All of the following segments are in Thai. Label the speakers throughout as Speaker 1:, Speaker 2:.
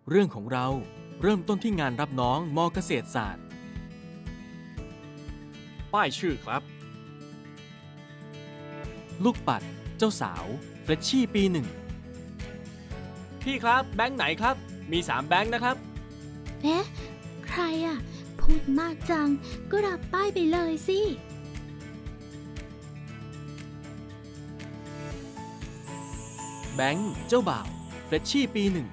Speaker 1: เรื่องของเราเริ่มต้นที่งานรับน้องม.เกษตรศาสตร์ป้ายชื่อครับลูกปัดเจ้าสาวเฟรชชี่ปีหนึ่งพี่ครับแบงค์ไหนครับมี3แบงค์นะครับ
Speaker 2: เอ๊ะใครอ่ะพูดมากจังก็รับป้ายไปเลยสิ
Speaker 1: แบงค์เจ้าบ่าวเฟรชชี่ปีหนึ่ง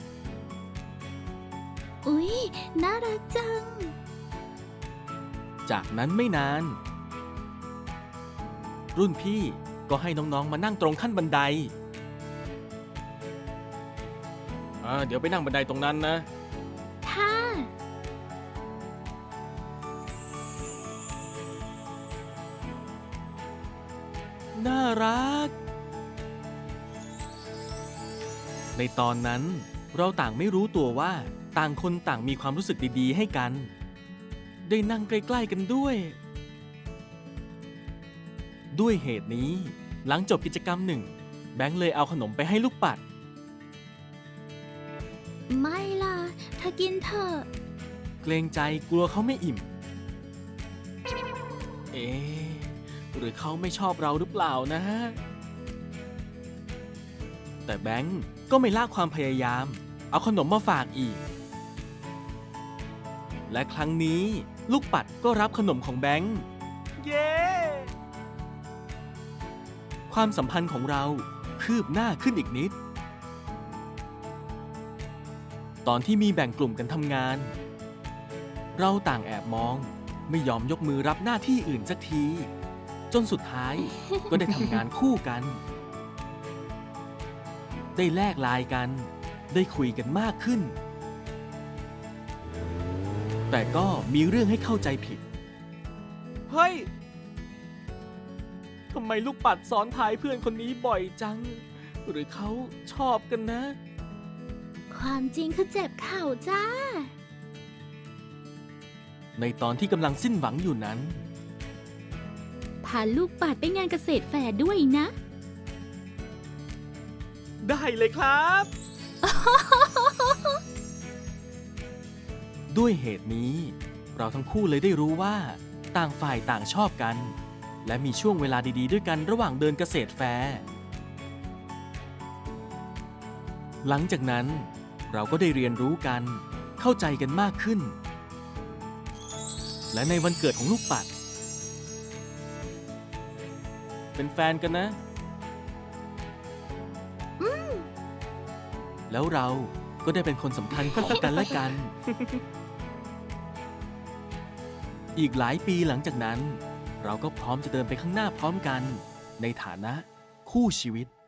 Speaker 2: อุ๊ยน่ารักจัง
Speaker 1: จากนั้นไม่นานรุ่นพี่ก็ให้น้องๆมานั่งตรงขั้นบันไดเดี๋ยวไปนั่งบันไดตรงนั้นนะ
Speaker 2: ค่ะ
Speaker 1: น่ารักในตอนนั้นเราต่างไม่รู้ตัวว่าต่างคนต่างมีความรู้สึกดีๆให้กันได้นั่งใกล้ๆกันด้วยเหตุนี้หลังจบกิจกรรมหนึ่งแบงค์เลยเอาขนมไปให้ลูกปัด
Speaker 2: ไม่ล่ะเธอกินเถอะ
Speaker 1: เกรงใจกลัวเขาไม่อิ่มเอ๊ะหรือเขาไม่ชอบเราหรือเปล่านะแต่แบงค์ก็ไม่ละความพยายามเอาขนมมาฝากอีกและครั้งนี้ลูกปัดก็รับขนมของแบงค์เย้ความสัมพันธ์ของเราคืบหน้าขึ้นอีกนิดตอนที่มีแบ่งกลุ่มกันทำงานเราต่างแอบมองไม่ยอมยกมือรับหน้าที่อื่นสักทีจนสุดท้ายก็ได้ทำงานคู่กันได้แลกไลน์กันได้คุยกันมากขึ้นแต่ก็มีเรื่องให้เข้าใจผิดเฮ้ยทำไมลูกปัดซ้อนท้ายเพื่อนคนนี้บ่อยจังหรือเขาชอบกันนะ
Speaker 2: ความจริงคือเจ็บเข่าจ้า
Speaker 1: ในตอนที่กำลังสิ้นหวังอยู่นั้น
Speaker 2: พาลูกปัดไปงานเกษตรแฟร์ด้วยนะ
Speaker 1: ได้เลยครับ ด้วยเหตุนี้เราทั้งคู่เลยได้รู้ว่าต่างฝ่ายต่างชอบกันและมีช่วงเวลาดีๆด้วยกันระหว่างเดินเกษตรแฟร์หลังจากนั้นเราก็ได้เรียนรู้กันเข้าใจกันมากขึ้นและในวันเกิดของลูกปัดเป็นแฟนกันนะแล้วเราก็ได้เป็นคนสำคัญต่อกันและกัน อีกหลายปีหลังจากนั้นเราก็พร้อมจะเดินไปข้างหน้าพร้อมกันในฐานะคู่ชีวิต